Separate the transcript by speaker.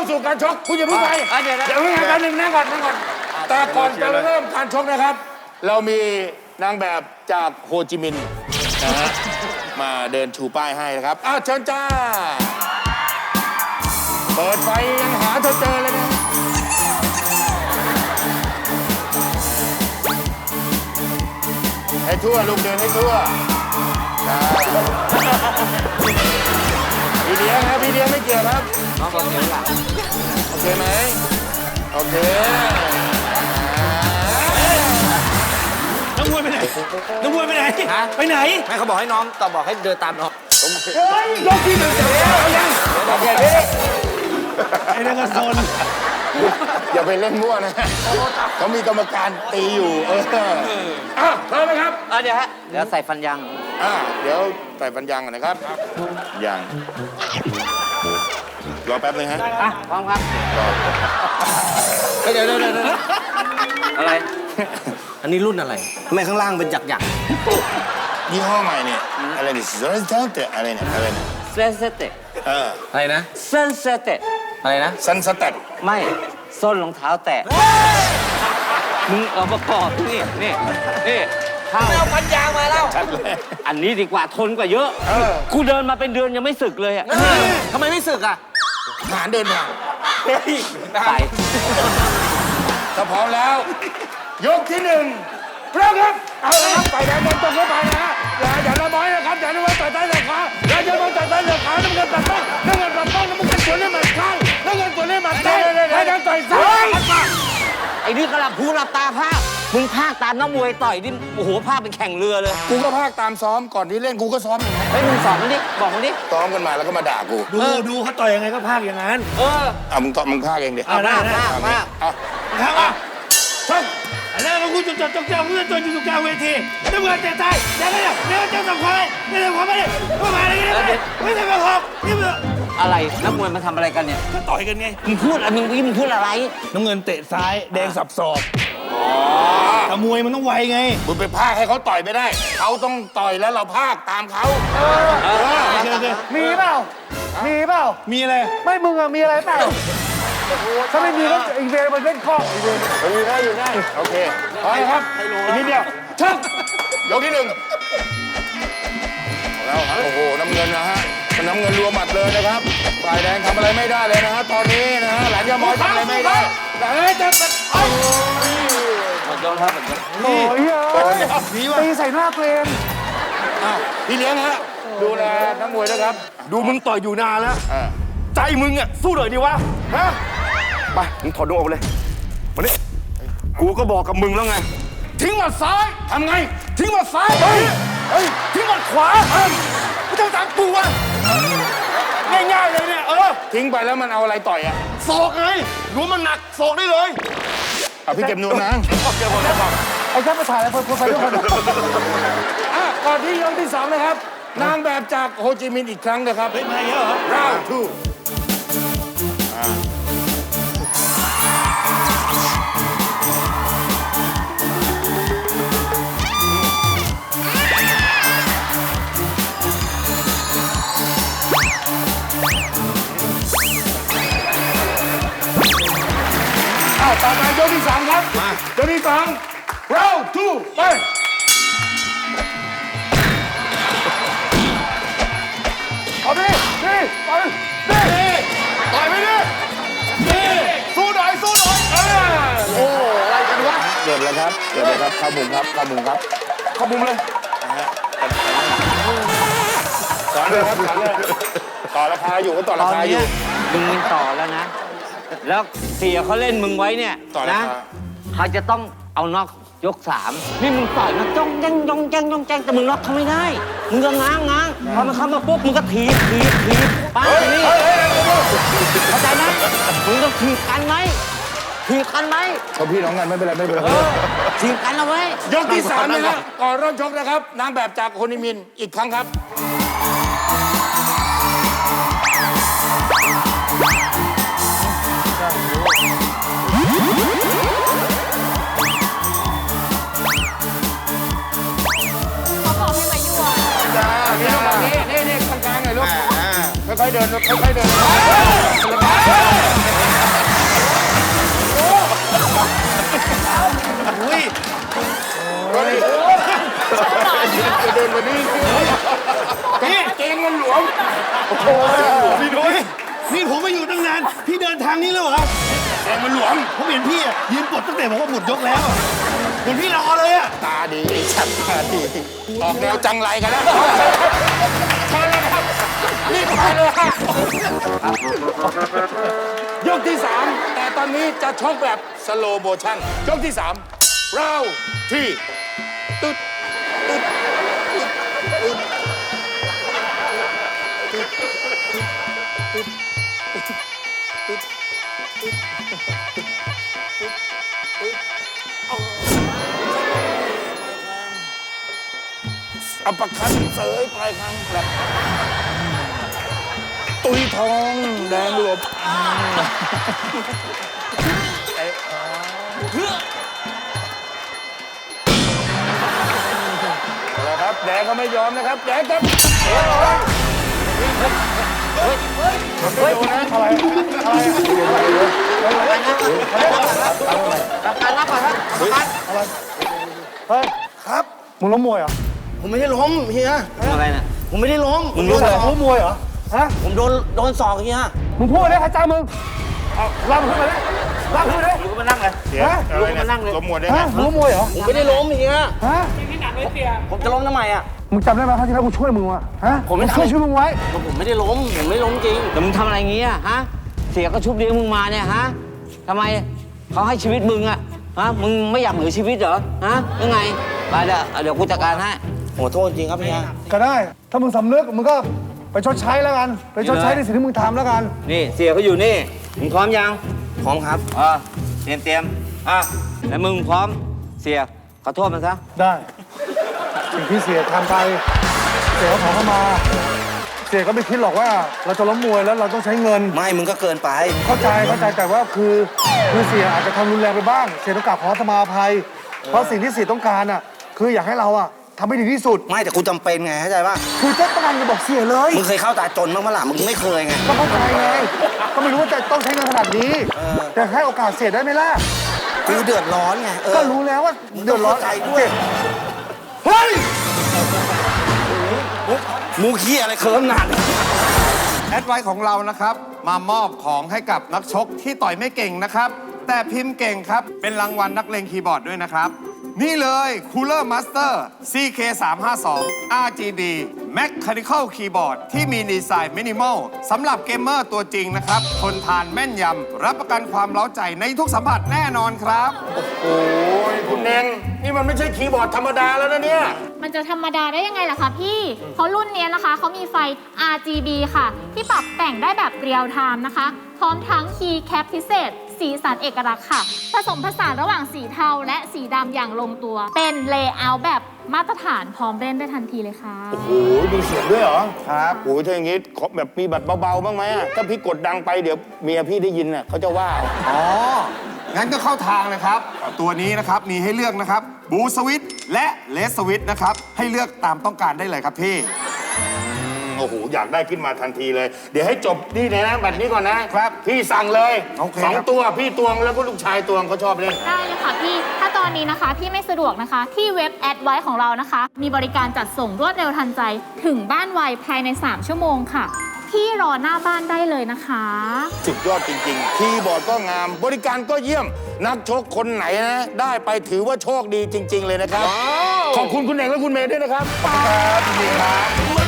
Speaker 1: สู่การชกคุณอย่าเพิ่งไปเดี๋ยวงานหนึ่งนั่งก่อนแต่ก่อนจะเริ่มการชกนะครับ เรามีนางแบบจากโฮจิมินห์นะฮะมาเดินชูป้ายให้นะครับเชิญจ้าเปิดไฟยังหาเธอเจอเลยนะให้ทั่วลูกเดินให้ทั่วพี่เลี้ยงครับพี่เลี้ยงไม่เกี่ยวครับน้องก็เกี่ยวหลังโอเคไหมโอเค
Speaker 2: น้องมวยไปไหนน้องมวยไปไหนไปไหน
Speaker 3: ไม่เขาบอกให้น้องต่อบอกให้เดินตามน้อง
Speaker 1: เฮ้ยยกที่หนึ่งเสร็จแล้วยังโอเคพี่
Speaker 2: ไอ้นั่นก็ซน
Speaker 1: อย่าไปเล่นมั่วนะเขามีกรรมการตีอยู่พร้อมไหมครับ
Speaker 3: เดี๋ยวใส่ฟันยาง
Speaker 1: เดี๋ยวใส่ฟันยางก่อนนะครับยางรอแป๊บนึงฮะ
Speaker 3: พร้อมครับเดี๋ยวอะไรอันนี้รุ่นอะไรทำไมข้างล่างเป็นหยัก
Speaker 1: ยี่ห้อใหม่เนี่ยอะไรเนี่ยอะไรเนี่ยอะไรเนี่ย
Speaker 3: เซนเซเต
Speaker 2: อะไรนะ
Speaker 3: เซนเซเต
Speaker 2: อะไรนะ
Speaker 1: ซันสเต็ป
Speaker 3: ไม่ส้นรองเท้าแตะมึงเอาประกอบนี่ข้าวไม่เอาพันยางมาแล้วอันนี้ดีกว่าทนกว่าเยอะกูเดินมาเป็นเดือนยังไม่สึกเลยทำไมไม่สึก
Speaker 1: หาเดินทาง
Speaker 3: ไป
Speaker 1: ถ้าพร้อมแล้วยกที่หนึ่งเริ่มครับเอาละครับไต่แดงบอลตรงเข้าไปนะอย่าละม้อยนะครับอย่าละม้อยต่อยใต้เหลือขาอย่าละม้อยต่อยใต้เหลือขาน้ำเงินตัดต้องน้ำเงินสวนให้หมัดข้างน้ำเงินสวนให้หมัดซ้ายไต่แดงต่อยซ้าย
Speaker 3: ไอ้นี่กระลับหูหลับตาภาคมึงภาคตามนักมวยต่อยดิโอ้โหภาคเป็นแข่งเรือเลย
Speaker 1: กูก็ภาคตามซ้อมก่อนที่เล่นกูก็ซ้อมอย่างนั้น
Speaker 3: มึงสอนมันดิบอกมันดิ
Speaker 1: ซ้อมกันมาแล้วก็มาด่ากู
Speaker 2: ดูเขาต่อยยังไงก็ภาคอย่างนั้น
Speaker 1: มึงภาคเองดิ
Speaker 3: ได้
Speaker 2: ครับแล้วเราคุณจดจงคุณจะจดอยู่ตรงกลางเวทีน้ำเงินเตะใต้เดี๋ยวเจ้าสังควายเดี๋ยวสังควายไม่ได้มาอะไรกันไม่ใช่มาหอกนี่มึง
Speaker 3: อะไรนักมวยมาทำอะไรกันเนี่ย
Speaker 2: ก็ต่อยกันไง
Speaker 3: มึงพูดมึงพูดอะไร
Speaker 2: น้ำเงินเตะซ้ายแดงสับศอกแต่มวยมันต้องไวไง
Speaker 1: มึงไปภาคให้เขาต่อยไม่ได้เขาต้องต่อยแล้วเราภาคตามเขา
Speaker 2: มีเปล่ามีอะไร
Speaker 4: ไม่มึงมีอะไรเปล่าถ้าไม่มีก็อีเวนมันเล่นข้ออีเวน
Speaker 1: อยู่ได้โอเคพอครับอีกนิดเดียวชกยกที่หนึ่งแล้วโอ้โหน้ำเงินนะฮะน้ำเงินรัวหมัดเลยนะครับฝ่ายแดงทำอะไรไม่ได้เลยนะฮะตอนนี้นะฮะหลังยามอยทำอะไรไม่ได้แต่จะ
Speaker 3: หมดยกครับ
Speaker 4: โอ้ยตีใส่หน้าเกรน
Speaker 1: พี่เลี้ยงฮะดูแลนักมวยนะครับ
Speaker 2: ดูมึงต่อยอยู่นานแล้วใจมึงสู้หน่อยดิวะฮะไปมึงถอดนวมออกเลยมาดิกูก็บอกกับมึงแล้วไงทิ้งหมัดซ้าย
Speaker 1: ทำไง
Speaker 2: ทิ้งหมัดซ้ายทิ้งหมัดขวาไม่ต้องตามกูวะง่ายๆเลยเนี่ย
Speaker 1: ทิ้งไปแล้วมันเอาอะไรต่อย
Speaker 2: ศอกไงรู้มันหนักศอกได้เลย
Speaker 1: พี่เก็บนวมนะ
Speaker 2: เก็บหมดแล้วครับ
Speaker 4: ไอ้แค่มาถ่ายแล้วคนไปทุกคน
Speaker 1: ก่อนที่ยกที่2นะครับนางแบบจากโฮจิมินห์อีกครั้งนะครับ
Speaker 2: มาเยอะเหรอ
Speaker 1: round 2ต่อมายกที่2ครับยกที่2 round 2ไป
Speaker 4: เอาดิไป
Speaker 1: ต่อยไปดิสู้หน่อยโอ้อะไรกันวะเกิดแล้วครับเข้ามุมเลยต่อเลยครับต่อราคาอยู่ก็ต่อราคาอยู่
Speaker 3: มึงต่อแล้วนะแล้วเสียเขาเล่นมึงไว้เนี่ยนะเขาจะต้องเอาน็อกยก3นี่มึงต่อยนะจ้องแจ้งแต่มึงน็อกเขาไม่ได้มึงก็ง้างพอมันเข้ามาปุ๊บมึงก็ถีบป้านี่เข้าใจไหมมึงต้องถีบกันไหม
Speaker 1: เขาพี่น้องกันไม่เป็นไร
Speaker 3: ถีบกันเอาไว้
Speaker 1: ยกที่3นะครับก่อนเริ่มชกนะครับนางแบบจากโฮจิมินห์อีกครั้งครับนี่กลางๆหน่อยลูกค่อยๆเดินค่อยๆเดินอุ้ยจะเดินมานี่พี่เกงมันหลวมพี่นุ้ย
Speaker 5: นี่ผมมาอยู่ตั้งนาน พี่เดินทางนี้แล้วเหรอ
Speaker 1: เกงมันหลวม
Speaker 5: ผมเห็นพี่อะยืนปลดตั้งแต่บอกว่าหมดยกแล้วอะเห็นพี่รอเลยอะ
Speaker 1: ตาดีชัดตาดีออกแนวจังไรกันแล้วใช่เลยครับรีบไปเลยค่ะยกที่ 3 แต่ตอนนี้จะชกแบบสโลโมชั่นยกที่ 3 เราที่ตึ๊ดตึ๊ดตึ๊ดตึ๊ดตึ๊ดตึ๊ดตึ๊ดตึ๊ดตึ๊ดอัปปะคันเสยปลายคางแบบตุยทองแดงหลบเอาละครับแดงก็ไม่ยอมนะครับแดงครับไม่โดนนะอะไร
Speaker 3: การรับก่อนครับ
Speaker 4: เฮ้ยครับมึงล้มมวยเหรอ
Speaker 5: ผมไม่ได้ล้มเฮีย
Speaker 3: มึงอะไรน่ะ
Speaker 5: ผมไม่ได้ล้ม
Speaker 3: มึงรู้เลย
Speaker 4: ล้มมวยเหรอฮะ
Speaker 5: ผมโดนศอกเฮีย
Speaker 4: มึงพูดได้ใครจ้ามึงเอาลากมึงขึ้นมาเลยลากขึ้นมาเลย
Speaker 3: ลุกมานั่งเลย
Speaker 1: เดี๋ยวอะไรเนี่ยล้มหมดได้ไง
Speaker 4: ฮะมึงล้มมวยเหรอ
Speaker 5: ผมไม่ได้ล้มเฮีย
Speaker 4: ฮะ
Speaker 5: ผมจะล้มทำไมอะ
Speaker 4: มึงจำได้ไหมครั้งที่แล้วกูช่วยมึงวะฮะ
Speaker 5: ผมไม่ทำ
Speaker 4: ช่วยมึงไว้
Speaker 5: ผมไม่ได้ล้ม ผมไม่ล้มจริง
Speaker 3: แต่มึงทำอะไรอย่างงี้อะฮะ เสียก็ชุบเลี้ยงมึงมาเนี่ยฮะทำไมเขาให้ชีวิตมึงอะฮะ มึงไม่อยากเหลือชีวิตเหรอ ฮะยังไงไปเดี๋ยวกูจัดการให้
Speaker 5: ขอโทษจริงครับเฮีย
Speaker 4: ก็ได้ ถ้ามึงสำนึกมึงก็ไปชดใช้แล้วกัน ไปชดใช้ในสิ่งที่มึงทำแล้วกัน
Speaker 3: นี่เสียเขาอยู่นี่ มึงพร้อมยัง
Speaker 5: พร้อมครับ
Speaker 3: เตรียมแล้วมึงพร้อม เสียขอโทษมันซะ
Speaker 4: ได้สิ่งที่เสียทำไป เสียก็ขอเข้ามา เสียก็ไม่คิดหรอกว่าเราจะล้มมวยแล้วเราต้องใช้เงิน
Speaker 5: ไม่ มึงก็เกินไป
Speaker 4: เข้าใจแต่ว่าคือเสียอาจจะทำรุนแรงไปบ้าง เสียต้องกราบขอขมาอภัย เพราะสิ่งที่เสียต้องการอ่ะคืออยากให้เราอ่ะทำให้ดีที่สุด
Speaker 5: ไม่แต่กูจำเป็นไงเข้าใจป่ะ
Speaker 4: คือเจ๊ต้องการจะบอกเสียเลย
Speaker 5: มึงเคยเข้าตาจนบ้างมั้ยล่ะมึงไม่เคยไง
Speaker 4: ก็เข้าใจไงก็ไม่รู้ว่าจะต้องใช้เงินขนาดนี้ แต่ให้โอกาสเสียได้ไหมล่ะ
Speaker 5: กูเดือดร้อนไง
Speaker 4: ก็รู้แล้วว่าเดือดร้อน
Speaker 5: เข้าใจด้วย
Speaker 4: เฮ้ย
Speaker 5: มูขี้อะไรเคิร์มหนัก
Speaker 2: แอดไวของเรานะครับ มามอบของให้กับนักชกที่ต่อยไม่เก่งนะครับ แต่พิมพ์เก่งครับ เป็นรางวัลนักเลงคีย์บอร์ดด้วยนะครับ นี่เลย Cooler Master CK352 RGB Mechanical Keyboard ที่มีดีไซน์มินิมอลสำหรับเกมเมอร์ตัวจริงนะครับ ทนทานแม่นยำ รับประกันความเล้าใจในทุกสัมผัสแน่นอนครับ
Speaker 1: โอ้ยคุณเน่งนี่มันไม่ใช่คีย์บอร์ดธรรมดาแล้วนะเนี่ย
Speaker 6: มันจะธรรมดาได้ยังไงล่ะคะพี่ เพราะรุ่นเนี้ยนะคะเขามีไฟ RGB ค่ะ ที่ปรับแต่งได้แบบเรียลไทม์นะคะ พร้อมทั้งคีย์แคปพิเศษ สีสันเอกลักษณ์ค่ะ ผสมผสานระหว่างสีเทาและสีดำอย่างลงตัว เป็นเลเยอร์แบบมาตรฐานพร้อมเล่นได้ทันทีเลยค่ะ
Speaker 1: โอ้โหมีเสียงด้วยเหรอ ครับโอ้ยถ้าอย่างงี้ขอแบบมีแบบเบาๆบ้างไหมอะถ้าพี่กดดังไปเดี๋ยวเมียพี่ได้ยินน่ะเขาจะว่าเอา
Speaker 2: อ๋อ งั้นก็เข้าทางเลยครับ ตัวนี้นะครับมีให้เลือกนะครับบูสวิตและเลสสวิตนะครับ ให้เลือกตามต้องการได้เลยครับพี่
Speaker 1: โอ้โหอยากได้ขึ้นมาทันทีเลย เดี๋ยวให้จบนี่เลยนะแบบนี้ก่อนนะครับ พี่สั่งเลย
Speaker 2: โอเค
Speaker 1: สอง
Speaker 2: ครับ
Speaker 1: ตัวพี่ตวงแล้วก็ลูกชายตวงเขาชอบเล่น
Speaker 6: ได้เลยค่ะพี่ ถ้าตอนนี้นะคะพี่ไม่สะดวกนะคะ ที่เว็บแอดไว้ของเรานะคะ มีบริการจัดส่งรวดเร็วทันใจ ถึงบ้านไวภายใน 3 ชั่วโมงค่ะ พี่รอหน้าบ้านได้เลยนะคะ
Speaker 1: สุดยอดจริงๆ คีย์บอร์ดก็งาม บริการก็เยี่ยม นักชกคนไหนนะ ได้ไปถือว่าโชคดีจริง ๆ เลยนะครับ ขอบคุณคุณเน่งและคุณเมย์ด้วยนะครับ ขอบคุณครับยินดีครับ